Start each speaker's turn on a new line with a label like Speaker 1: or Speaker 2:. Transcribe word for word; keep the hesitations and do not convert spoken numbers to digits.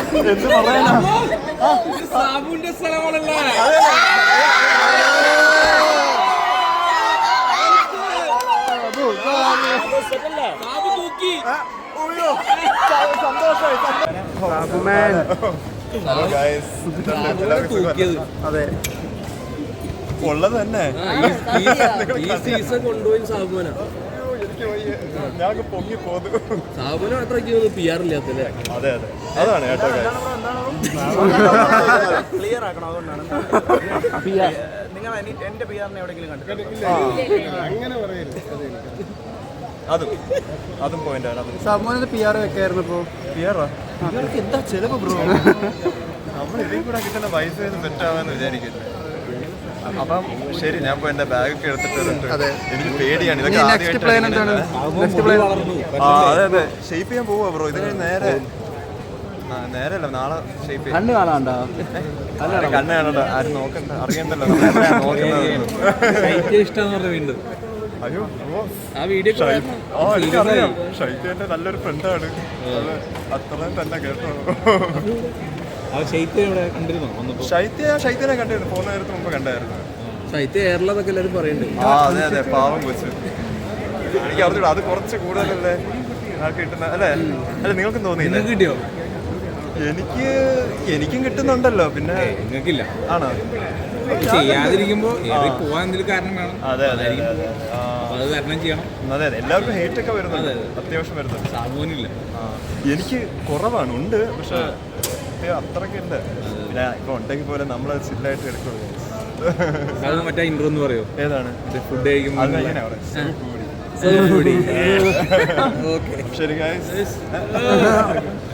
Speaker 1: എന്ത് പറയാനാ
Speaker 2: സാബുവിന്റെ സ്ഥലമാണല്ലേ
Speaker 1: അതെ
Speaker 3: ഉള്ളത് തന്നെ
Speaker 2: ഈ സീസൺ കൊണ്ടുപോയി സാബുവിനാ
Speaker 3: ഞാൻ പൊങ്ങി പോന്നു.
Speaker 2: സാബുവിന് അത്രയ്ക്ക് പി ആർ ഇല്ലാത്തല്ലേ?
Speaker 3: അതെ അതെ അതാണ് കേട്ടോ.
Speaker 1: ക്ലിയർ ആക്കണം. അതുകൊണ്ടാണ് നിങ്ങൾ എന്റെ പി ആറിനെ എവിടെയെങ്കിലും കണ്ടിട്ടുണ്ടോ?
Speaker 3: അതും അതും പോയിന്റ് ആണ്.
Speaker 1: സാബുവിന് പി ആർ വെക്കായിരുന്നു. ഇപ്പോൾ
Speaker 3: പി ആറാ എന്താ ചെലവ് ബ്രോ? നമ്മൾ ഇതിൽ കൂടെ കിട്ടുന്ന പൈസ തെറ്റാവാന്ന് വിചാരിക്കില്ല. അപ്പം ശരി, ഞാൻ പോയി എന്റെ ബാഗൊക്കെ എടുത്തിട്ട് എനിക്ക് പേടിയാണ് ഇതൊക്കെ ആദ്യമായിട്ട്. ആ അതെ അതെ ഷേപ്പ് ചെയ്യാൻ പോവാ ബ്രോ. ഇത് കഴിഞ്ഞ് നേരെ നേരെ അല്ല നാളെ ഷേപ്പ് ചെയ്യാം.
Speaker 1: കണ്ണ് കാണാണ്ടോ?
Speaker 3: കണ്ണ് കാണണ്ട, ആരും നോക്കണ്ട, അറിയണ്ടല്ലോ
Speaker 2: വീണ്ടും
Speaker 3: അയ്യോ
Speaker 2: ആ വീഡിയോ
Speaker 3: ആ എനിക്കറിയാം. ഷൈത്യ നല്ലൊരു ഫ്രണ്ടാണ്. അത്രയും തന്നെ കേട്ടോ. ശൈത്യ ശൈത്യനെ കണ്ടിരുന്നു, പോകുന്ന നേരത്തെ മുമ്പ് കണ്ടായിരുന്നു.
Speaker 2: ശൈത്യ എയർലതൊക്കെ എല്ലാവരും പറയുന്നുണ്ട്.
Speaker 3: ആ അതെ അതെ പാവം കൊച്ചു. എനിക്ക് അറിഞ്ഞൂടാ, അത് കുറച്ച് കൂടുതലല്ലേ കിട്ടുന്ന അല്ലേ? അല്ല നിങ്ങൾക്കും തോന്നിയില്ല?
Speaker 2: കിട്ടിയോ?
Speaker 3: എനിക്ക് എനിക്കും കിട്ടുന്നുണ്ടല്ലോ. പിന്നെ
Speaker 2: നിങ്ങൾക്കില്ല
Speaker 3: ആണോ?
Speaker 2: ചെയ്യാതിരിക്കുമ്പോ പോവാൻ എന്തെങ്കിലും കാരണം വേണം.
Speaker 3: അതെ അതെ
Speaker 2: അത് കാരണം ചെയ്യണം.
Speaker 3: അതെ അതെ എല്ലാവർക്കും ഹേറ്റ് ഒക്കെ വരുന്നുണ്ട്, അത്യാവശ്യം വരുന്നുണ്ട്.
Speaker 2: സാബുവിനില്ല.
Speaker 3: എനിക്ക് കുറവാണ്, ഉണ്ട്, പക്ഷെ അത്രയ്ക്ക് ഉണ്ട്. പിന്നെ ഇപ്പൊ ഉണ്ടെങ്കിൽ പോലെ നമ്മൾ ചില്ലായിട്ട് എടുക്കുള്ളൂ.
Speaker 2: അത് മറ്റേ ഇൻട്രോ എന്ന് പറയോ?
Speaker 3: ഏതാണ്?
Speaker 2: ഫുഡ് കഴിക്കുമ്പോൾ
Speaker 3: ശരി ഗൈസ്.